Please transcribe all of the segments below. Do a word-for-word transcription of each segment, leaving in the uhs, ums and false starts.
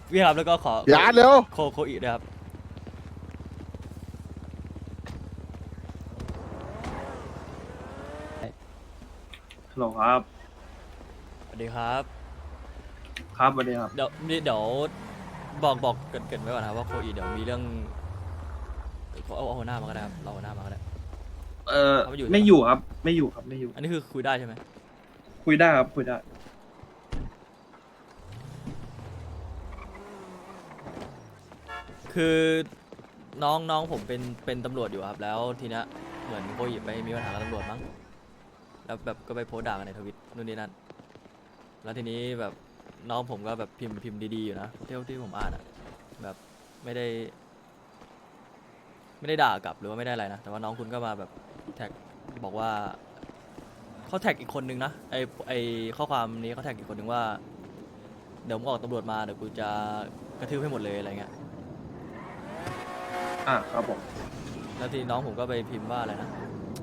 พี่ครับแล้วก็ขออย่าเร็วโคโคอีด้วยครับฮัลโหลครับสวัสดีครับครับสวัสดีครับเดี๋ยวเดี๋ยวบอกบอกเกรินเกรินไว้ก่อนนะครับว่าโคอีเดี๋ยวมีเรื่องเอาเอาหัวหน้ามาก็ได้ครับเราหัวหน้ามาก็ได้เออเขาไม่อยู่ไม่อยู่ครับ ไม่อยู่ครับ ไม่อยู่อันนี้คือคุยได้ใช่ไหมคุยได้ครับ คุยได้คือน้องน้องผมเป็นเป็นตำรวจอยู่ครับแล้วทีเนี้ยเหมือนโคอีไปมีปัญหากับตำรวจมั้งแล้วแบบก็ไปโพสต์ด่ากันในทวิตนู่นนี่นั่นแล้วทีนี้แบบน้องผมก็แบบพิมพ์พิมพ์ดีๆอยู่นะที่ที่ผมอ่านอะแบบไม่ได้ ไม่ได้ด่ากลับหรือว่าไม่ได้อะไรนะแต่ว่าน้องคุณก็มาแบบแท็กบอกว่าเขาแท็กอีกคนนึงนะไอไอข้อความนี้เขาแท็กอีกคนนึงว่าเดี๋ยวมึงออกตำรวจมาเดี๋ยวกูจะกระทืบให้หมดเลยอะไรเงี้ยอ่ะครับผมแล้วทีน้องผมก็ไปพิมพ์ว่าอะไรนะ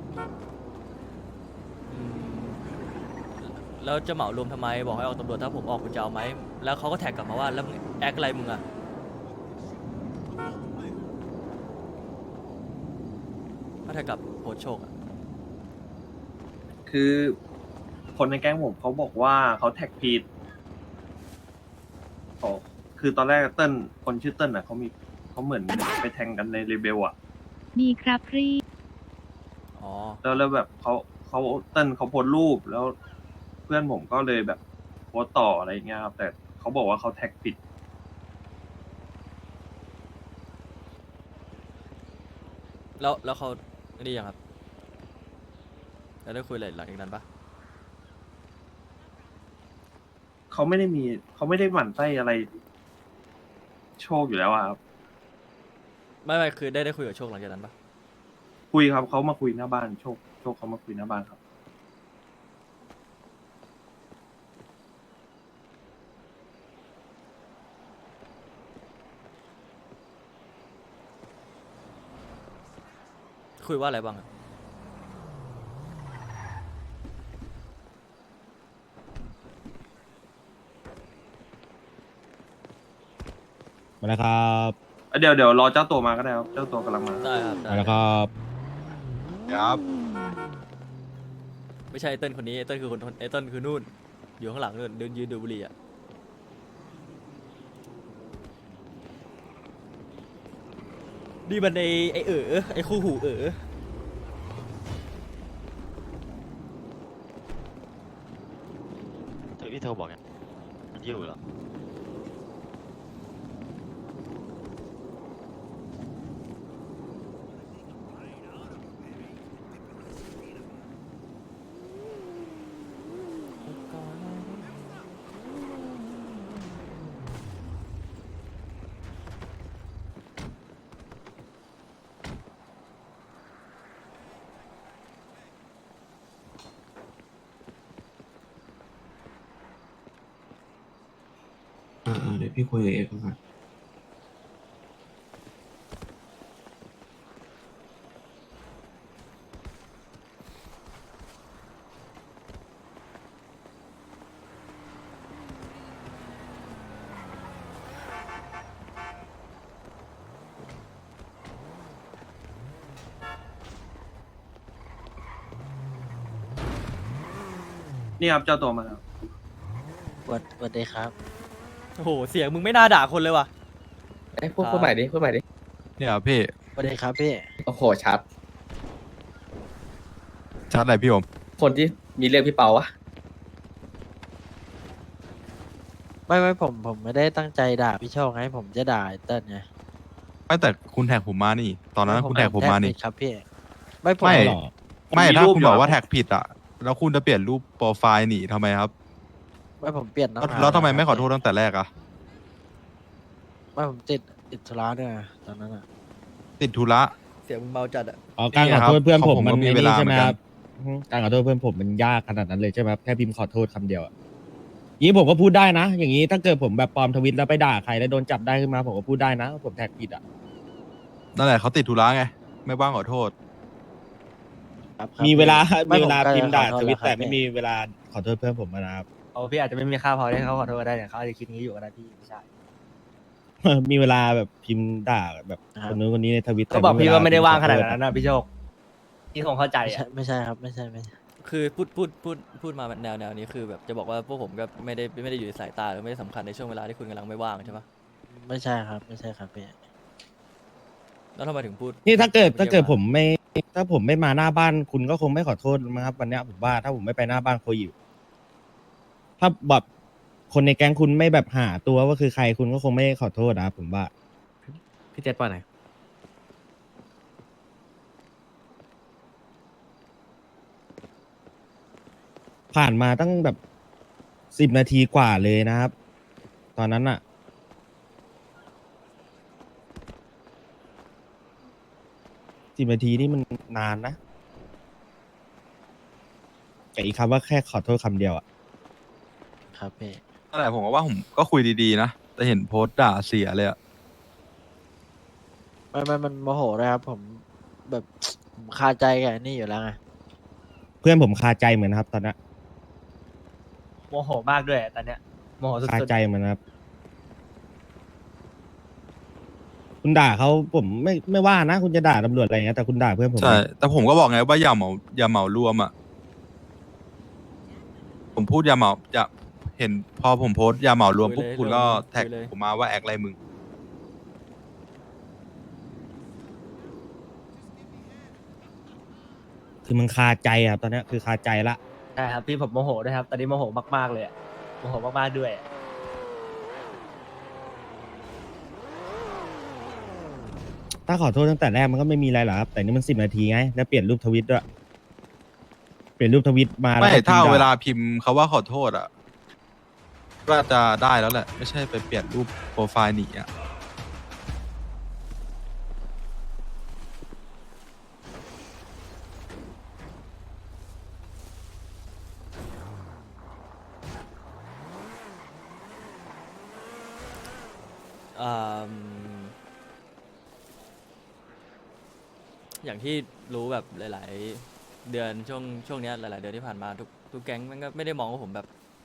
อืมแล้วจะเหมารวมทำไมบอกให้ออกตำรวจถ้าผมออกคุณจะเอาไหมแล้วเขาก็แท็กกลับมาว่าแล้วมึงแอคอะไรมึงอะก็แท็กกับโพสต์โชคอะคือ คนในแก๊งผมเขาบอกว่าเขาแท็กผิดเขาคือตอนแรกเติ้ลคนชื่อเติ้ลอ่ะเขามีเขาเหมือนไปแทงกันในเรเบลอ่ะมีครับรีอ๋อแล้วแล้วแบบเขาเขาเติ้ลเขาโพสต์รูปแล้ว เพื่อนผมก็เลยแบบโพสต์ต่ออะไรอย่างเงี้ยครับ แต่เขาบอกว่าเขาแท็กผิดแล้วแล้วเขานี่ยังครับแล้วได้คุยอะไรหลังจากนั้นปะเขาไม่ได้มีเขาไม่ได้หมั่นไส้อะไร โชคอยู่แล้วอะครับไม่ไม่คือได้ได้คุยกับโชคหลังจากนั้นปะคุยครับเขามาคุยหน้าบ้านโชคโชคเขามาคุยหน้าบ้านครับคุยว่าอะไรบ้างอะมาแล้วครับเดี๋ยวเดี๋ยวรอเจ้าตัวมาก็ได้ครับ เจ้าตัวกำลังมาได้ครับได้มาแล้วครับครับไม่ใช่ไอ้เติ้ลคนนี้ไอ้เติ้ลคือคนไอ้เติ้ลคือนู่นอยู่ข้างหลังนู่นเดินยืนดูบุหรี่อะนี่มันไอไอเอ๋อไอคู่หูเอ๋อเธอพี่เธอบอกไงมันอยู่เหรออ่าๆเดี๋ยวพี่คุยกับเอฟก่อนนี่ครับเจ้าตัวมาแล้ววัดวัดได้ครับโอ้โหเสียงมึงไม่น่าด่าคนเลยว่ะเอ้ยพูดพูดใหม่ดิ พูดใหม่ดิเนี่ยพี่วัดได้ครับพี่โอ้โห ชัดชัดอะไรพี่ผมคนที่มีเรื่องพี่เปาวะไม่ไม่ผมผมไม่ได้ตั้งใจด่าพี่โชคไงผมจะด่าไอ้เติ้ลไงไม่แต่คุณแท็กผมมานี่ ตอนนั้นคุณแท็กผมมานี่แท็กผิดครับพี่ ไม่ผมไม่หรอไม่ผมมีถ้ารูปคุณอยู่บอกอะว่าแท็กผิดอ่ะ แล้วคุณจะเปลี่ยนรูปโปรไฟล์หนีทำไมครับไม่ผมเปลี่ยนตั้งแล้วนานแล้วทำไมครับไม่ขอโทษตั้งแต่แรกอ่ะไม่ผมติดติดธุระด้วยตอนนั้นอ่ะติดธุระเสียงมึงเมาจัดอะอ๋อการขอโทษเพื่อนผมของผมมันก็มีไอ้เวนี่ลาใช่ไหมเหมือนกันครับอืมการขอโทษเพื่อนผมมันยากขนาดนั้นเลยใช่ไหมครับแค่พิมพ์ขอโทษคำเดียวอะอย่างนี้ผมก็พูดได้นะ อย่างนี้ถ้าเกิดผมแบบปลอมทวิตแล้วไปด่าใครแล้วโดนจับได้ขึ้นมาผมก็พูดได้นะว่าผมแท็กผิดอ่ะนั่นแหละเขาติดธุระไง ไม่ว่างขอโทษครับครับมีเวลาไมีเวลาผก็พิมพ์ด่าขอทโษวิตล้วครับแต่ไม่มีเวลาขอโทษเพื่อนผมนะครับโอ้พี่อาจจะไม่มีค่าพอที่เขาขอโทษก็ได้แต่เขาอาจจะคิดงี้อยู่ก็ได้พี่ไม่ใช่มีเวลาแบบพิมพ์ด่าแบบคนนู้นคนนี้ในทวิตก็บอกพี่ว่าไม่ได้ว่างขนาดนั้นนะพี่โชคพี่คงเข้าใจไม่ใช่อ่ะไม่ใช่ครับไม่ใช่ไม่ใช่คือพูดพูดพูดพูดมาแนวแนวนี้คือแบบจะบอกว่าพวกผมก็ไม่ได้ไม่ได้อยู่ในสายตาหรือไม่ได้สำคัญในช่วงเวลาที่คุณกำลังไม่ว่างใช่ปะไม่ใช่ครับไม่ใช่ครับพี่แล้วทำไมถึงพูดนี่ถ้าเกิดถ้าเกิดรียผมไม่ ถ้าผมไม่มาหน้าบ้านคุณก็คงไม่ขอโทษมั้งครับวันเนี้ยผมว่าถ้าผมไม่ไปหน้าบ้านโคยิถ้าแบบคนในแก๊งคุณไม่แบบหาตัวว่าคือใครคุณก็คงไม่ขอโทษนะครับผมว่าพี่เจ็ดป่ะไหนผ่านมาตั้งแบบสิบนาทีกว่าเลยนะครับ ตอนนั้นอะสิบนาทีนี่มันนานนะแต่อีกคำว่าแค่ขอโทษคำเดียวอะครับพี่นั่นแหละผมก็ว่าผมก็คุยดีๆนะ แต่เห็นโพสต์ด่าเสียเลยอะไม่ไม่มันโมโหเลยครับผมแบบ ผมคาใจกับไอ้นี่อยู่แล้วไงเพื่อนผมคาใจเหมือนนะครับ ตอนนั้นโมโหมากด้วยตอนเนี้ยโมโหสุคาดใจเหมือนนะครับ คุณด่าเขาผมไม่ไม่ว่านะ คุณจะด่าตำรวจอะไรอย่างเงี้ยแต่คุณด่าเพื่อนผมใช่ แต่ผมก็บอกไงว่าอย่าเหมาอย่าเหมารวมอ่ะ ผมพูดอย่าเหมาอย่าเห็นพอผมโพสต์อย่าเหมารวมปุ๊บคุณก็แท็กผมมาว่าแอคอะไรมึงคือมันคาใจครับตอนเนี้ยคือคาใจละๆใช่ครับพี่ผมโมโหด้วยครับตอนนี้โมโหมากๆเลยอะโมโหมากๆด้วยอะถ้าขอโทษตั้งแต่แรกมันก็ไม่มีอะไรหรอกครับ แต่นี่มันสิบนาทีไงแล้วเปลี่ยนรูปทวิตด้วยเปลี่ยนรูปทวิตมาแล้วไม่ก็ถ้าพิมพ์ด่เวลาพิมพ์เขาว่าขอโทษอ่ะก็จะได้แล้วแหละ ไม่ใช่ไปเปลี่ยนรูปโปรไฟล์หนีอ่ะอ่าอย่างที่รู้แบบหลาย ๆ เดือนช่วงช่วงเนี้ยหลาย ๆ เดือนที่ผ่านมาทุกทุกแก๊งมันก็ไม่ได้มองว่าผมแบบ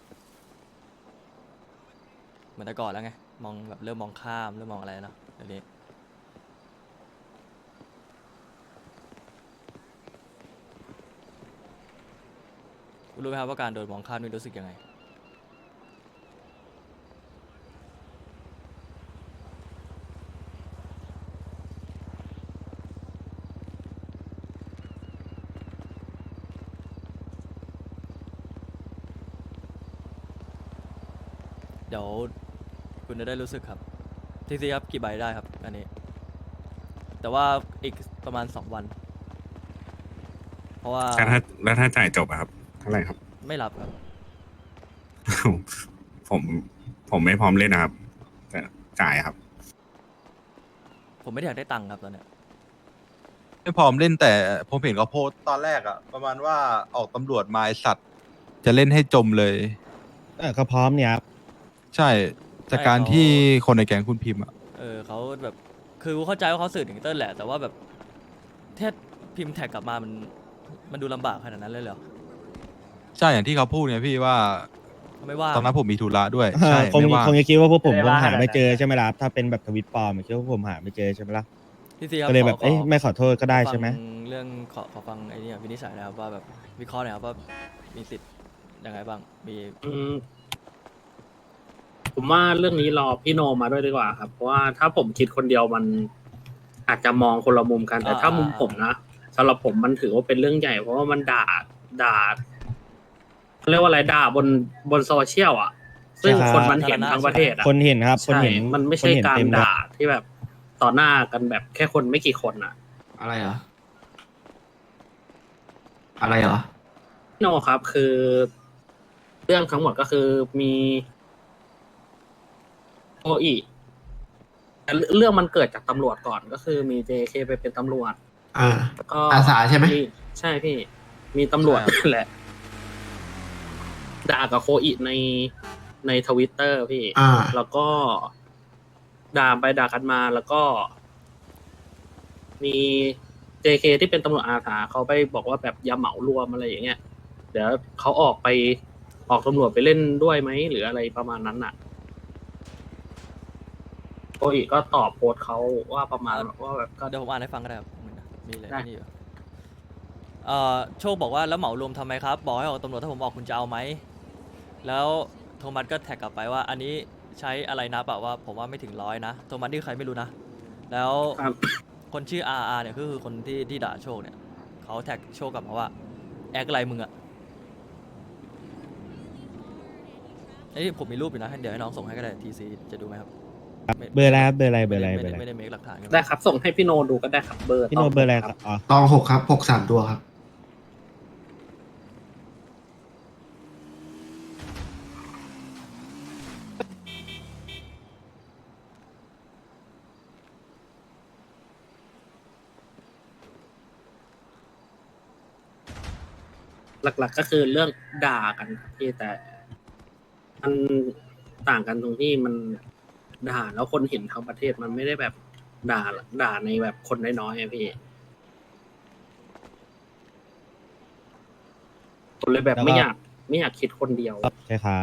เหมือนแต่ก่อนแล้วไงมองแบบเริ่มมองข้ามเริ่มมองอะไรเนาะเดี๋ยวนี้คุณรู้ไหมครับว่าการโดนมองข้ามนี่รู้สึกยังไง เดี๋ยวคุณจะได้รู้สึกครับทีซีครับกี่ใบได้ครับอันนี้ แต่ว่าอีกประมาณสองวัน เพราะว่าแล้วถ้าแล้วถ้าจ่ายจบอะครับเท่าไหร่ครับไม่รับครับผมผมไม่พร้อมเล่นนะครับ แต่จ่ายครับผมไม่ได้อยากได้ตังค์ครับตอนเนี้ยไม่พร้อมเล่นแต่ผมเห็นเขาโพสต์ตอนแรกอ่ะ ประมาณว่าออกตำรวจมาไอ้สัตว์ จะเล่นให้จมเลยเออเขาพร้อมเนี่ยครับใช่จากการที่คนในแก๊งคุณพิมพ์อ่ะเออเขาแบบคือเข้าใจว่าเขาสื่อถึงเติ้ลแหละ แต่ว่าแบบแค่พิมพ์แท็กกลับมามันมันดูลำบากขนาดนั้นเลยเหรอใช่อย่างที่เขาพูดเนี่ยพี่ว่าเขาไม่ว่าตอนนั้นผมมีธุระด้วย ใช่คงไม่ว่างคงจะคิดว่าพวกผมไม่คได้งว่าหาไม่เจอขนาดนั้นใช่ไหมล่ะครับถ้าเป็นแบบทวิตปลอมคิดว่าผมหาไม่เจอใช่ไหมล่ะทีซีครับก็เลยแบบขเอ้ยไม่ขอโทษก็ได้ขอฟังใช่ไหมเรื่องขอขอฟังไอ้นี่วินิจฉัยนะครับว่าแบบวิเคราะห์หน่อยครับว่ามีสิทธิ์ยังไงบ้างมีอืมผมว่าเรื่องนี้รอพี่โนมาด้วยดีกว่าครับ เพราะว่าถ้าผมคิดคนเดียวมันอาจจะมองคนละมุมกัน แต่ถ้ามุมผมนะสำหรับผมมันถือว่าเป็นเรื่องใหญ่ เพราะว่ามันด่าด่าเขาเรียกว่าอะไรด่าบนบนโซเชียลอ่ะ ซึ่งใช่ครับคนมันเห็นทั้งประเทศอ่ะคนเห็นครับ คนใช่เห็นมันไม่คใช่เห็นการเต็มเลยด่าที่แบบต่อหน้ากันแบบแค่คนไม่กี่คนอ่ะอะไรเหรอ อะไรเหรอพี่โนครับคือเรื่องทั้งหมดก็คือมีโออีแต่เรื่องมันเกิดจากตำรวจก่อนก็คือมี เจ เค ไปเป็นตำรวจอ่าก็อาสาใช่ไหมใช่พี่ มีตำรวจแหละ ด่ากับโคอีในในทวิตเตอร์พี่อ่าแล้วก็ด่าไปด่ากันมาแล้วก็ มี เจ เค ที่เป็นตำรวจอาสาเขาไปบอกว่าแบบอย่าเหมารวมอะไรอย่างเงี้ย เดี๋ยวเขาออกไปออกตำรวจไปเล่นด้วยไหมหรืออะไรประมาณนั้นน่ะโออีก็ตอบโพสต์เขาว่าประมาณว่าแบบก็เดี๋ยวผมอ่านให้ฟังก็ได้ครับมีอะไรได้นี่อยู่เอ่อโชคบอกว่าแล้วเหมารวมทำไมครับบอกให้ออกตำรวจถ้าผมออกคุณจะเอาไหมแล้วโทมัสก็แท็กกลับไปว่าอันนี้ใช้อะไรนะแบบว่าผมว่าไม่ถึงร้อยนะโทมัสนี่ใครไม่รู้นะแล้วครับคนชื่อ อาร์ อาร์ เนี่ยก็คือคนที่ที่ด่าโชคเนี่ยเขาแท็กโชคกลับมาว่าแอคอะไรมึงอะไอ้ยผมมีรูปอยู่นะเดี๋ยวให้น้องส่งให้ก็ได้ทีซีจะดูไหมครับไม่เบอร์อะไรครับเบอร์อะไรเบอร์อะไรไม่เบอได้ร์อะไรไม่ได้เมคหลักฐานกันได้ครับส่งให้พี่โนดูก็ได้ครับเบอร์พี่โนตเบอร์อะไรครับอ๋อตองหกครับหกสามตัวครับหลักๆก็คือเรื่องด่ากันครับพี่แต่มันต่างกันตรงที่มันด่าแล้วคนเห็นทั้งประเทศมันไม่ได้แบบด่าด่าในแบบคนน้อยๆอะพี่ผมเลยแบบไม่อยากไม่อยากคิดคนเดียวใช่ครับ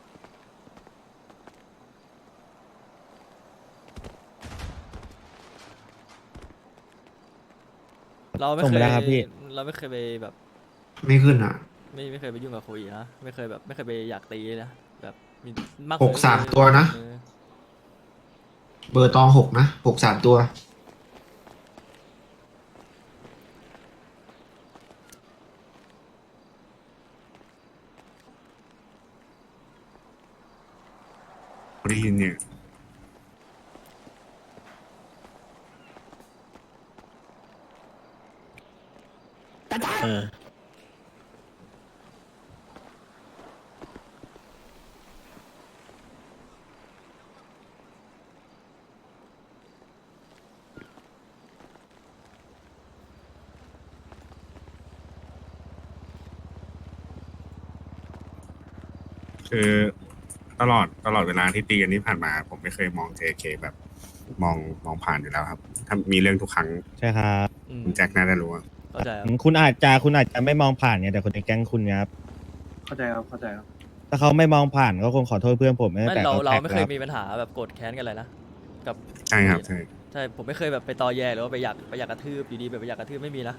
เราไม่ส่งเคไปยแล้วครับพี่เราไม่เคยไปแบบไม่ขึ้นอ่ะไม่ไม่เคยไปยุ่งกับโคอีนะไม่เคยแบบไม่เคยไปอยากตีนะแบบมีมากหกสามตัวนะเออเบอร์ตองหกนะหกสามตัวได้ยินเนี่ยเออคือตลอดตลอดเวลาที่ตีกันที่ผ่านมา ผมไม่เคยมอง เจ เค แบบมองมองผ่านอยู่แล้วครับ ถ้ามีเรื่องทุกครั้งใช่ครับอืมคุณแจ็คน่าจะรู้อะเข้าใจครับคุณอาจจะคุณอาจจะไม่มองผ่านไงแต่คนในแก๊งคุณไงครับเข้าใจครับเข้าใจครับถ้าเขาไม่มองผ่านก็คงขอโทษเพื่อนผมตั้งไม่แต่เราเขาเราแท็กไม่แล้เคว ยมีปัญหาแบบโกรธแค้นกันเลยนะกับใช่ครับใช่ใช่ผมไม่เคยแบบไปตอแยหรือว่าไปอยากไปอยากกระทืบอยู่ดีแบบไปอยากกระทืบไม่มีนะ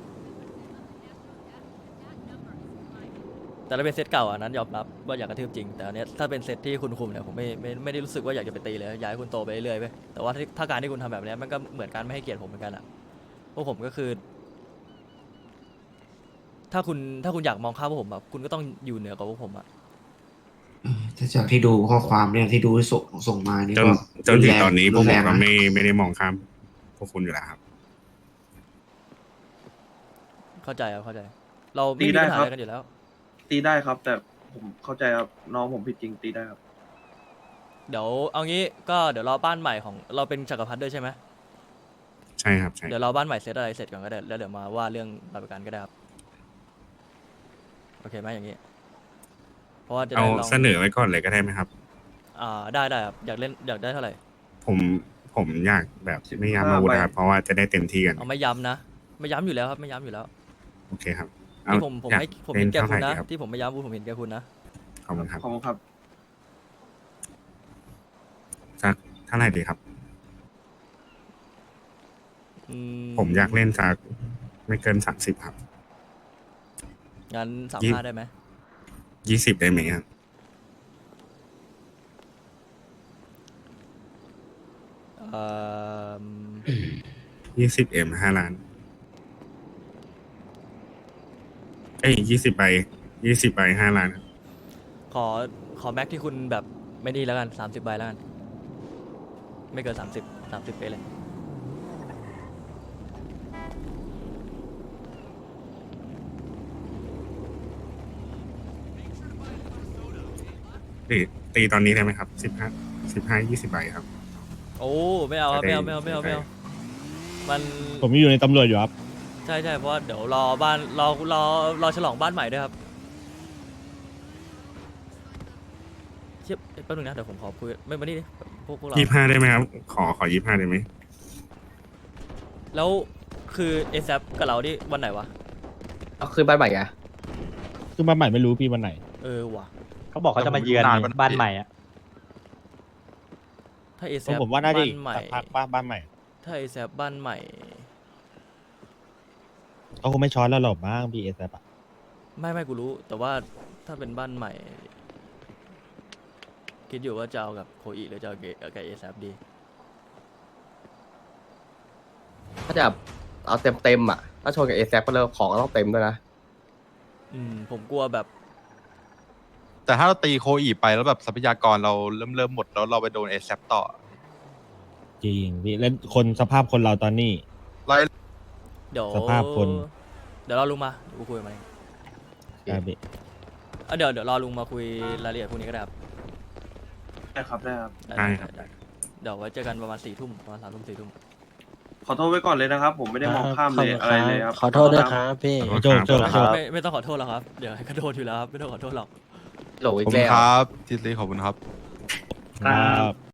แต่ถ้าเป็นเซตเก่าอันนั้นยอมรับว่าอยากกระทืบจริงแต่อันเนี้ยถ้าเป็นเซตที่คุณคุมเนี่ยผมไม่ไม่ไม่ได้รู้สึกว่าอยากจะไปตีเลยอยากให้คุณโตไปเรื่อยๆไปแต่ว่าถ้าถ้าการที่คุณทำแบบเนี้ยมันก็เหมือนการไม่ให้เกียรติผมเหมือนกันอ่ะพวกผมก็คือ ถ้าคุณถ้าคุณอยากมองข้ามพวกผมแบบคุณก็ต้องอยู่เหนือกว่าพวกผมอ่ะเออถ้าจากที่ดูข้อความเนี่ยที่ดูส่งส่งมานี่จนก็จนถึงตอนนี้พวกรุผมแรงก็นะไม่ไม่ได้มองข้ามพวกคุณอยู่แล้วครับเข้าใจครับเข้าใจ เราไม่ตีมีได้ปัญหาครับอะไรกันอยู่แล้วตีได้ครับ แต่ผมเข้าใจครับน้องผมผิดจริงตีได้ครับเดี๋ยวเอางี้ก็เดี๋ยวรอบ้านใหม่ของเราเป็นจักรพรรดิด้วยใช่ไหมใช่ครับใช่เดี๋ยวเราบ้านใหม่เสร็จอะไรเสร็จก่อนก็ได้แล้วเดี๋ยวมาว่าเรื่องรายประกันก็ได้ครับโอเคไหมอย่างนี้ เพราะว่าจะเอาได้ลองเสนอไว้ก่อนเลยก็ได้ไหมครับอ่าได้ได้ครับอยากเล่นอยากได้เท่าไหร่ผมผมอยากแบบไม่ย้ำอาวุธนะครับ เพราะว่าจะได้เต็มที่กันเอาไม่ย้ำนะไม่ย้ำอยู่แล้วครับไม่ย้ำอยู่แล้วโอเคครับเอาที่ผมผมอยากให้ผมเล่เห็นนแก่เท่าคุไหณร่นะดีครับที่ผมไม่ย้ำผมเห็นแก่คุณนะขอบคุณครับขอบคุณครับสักเท่าไหร่ดีครับอืผมอยากเล่นสักไม่เกินสามสิบครับงั้นสามยี่ห้าได้ไหมยี่สิบได้ไหมครับเอ่อยี่สิบเอ็มห้าล้าน เอ้ยยี่สิบใบยี่สิบใบห้าล้านครับขอขอแม็กที่คุณแบบไม่ดีแล้วกันสามสิบใบแล้วกันไม่เกินสามสิบสามสิบไปเลยตีตีตอนนี้ได้ไหมครับสิบห้าสิบห้ายี่สิบใบครับโอ้ไม่เอาครับไม่เอาไม่เอาไม่เอาไม่เอามันผมอยู่ในตำรวจอยู่ครับใช่ใช่เพราะว่าเดี๋ยวรอบ้านรอรอรอฉลองบ้านใหม่ด้วยครับเทียบแป๊บนึงนะเดี๋ยวผมขอคุยไม่มานี่ดิพวกพวกเรายี่ห้าได้ไหมครับ ขอขอยี่ห้าได้ไหมแล้วคือเอซกับเราดิวันไหนวะเอาขึ้นบ้านใหม่อะคือมาใหม่ไม่รู้พี่วันไหนเออว่ะเขาบอกเขาจะมาเยือนนานปะบ้านใหม่อ่ะถ้าเอเพแซราะผมว่าน่าจะบ้าอีกนใหม่สักพักป้าบ้านใหม่ถ้าเอแซบ้านใหม่เขาคงไม่ช้อนแล้วหรอกบ้างพี่เอสอะไม่ไม่กูรู้ แต่ว่าถ้าเป็นบ้านใหม่ คิดอยู่ว่าจะเอากับโคอีหรือจะเอากับเอแซดีถ้าจะเอาเต็มเต็มๆอ่ะ ถ้าชนกับเอแซก็เลิกของก็ต้องเต็มด้วยนะอืมผมกลัวแบบแต่ถ้าเราตีโคอีไปแล้วแบบทรัพยากรเราเริ่มเริ่มหมดแล้วเราไปโดนเอแซต่อจริงพี่แล้วคนสภาพคนเราตอนนี้ไล่เดี๋ยวสภาพคนเดี๋ยวรอลุงมาเดี๋ยวกูคุยกับมันเองครับพี่อ่ะเดี๋ยวเดี๋ยวรอลุงมาคุยรายละเอียดพวกนี้ก็ได้ครับได้ครับได้ครับได้ได้ครับได้เดี๋ยวไว้เจอกันประมาณสี่ทุ่มประมาณสามทุ่มสี่ทุ่มขอโทษไว้ก่อนเลยนะครับ ผมไม่ได้มองข้ามเลยขบคุณอะไรเลยครับขอโทษด้วยครับพี่ขอโจกโจกโจกไม่ไม่ต้องขอโทษหรอกครับ เดี๋ยวให้กระโดดอยู่แล้วครับ ไม่ต้องขอโทษหรอกโหลขอบอีกคุณแล้วครับทิสลีขอบคุณครับครับ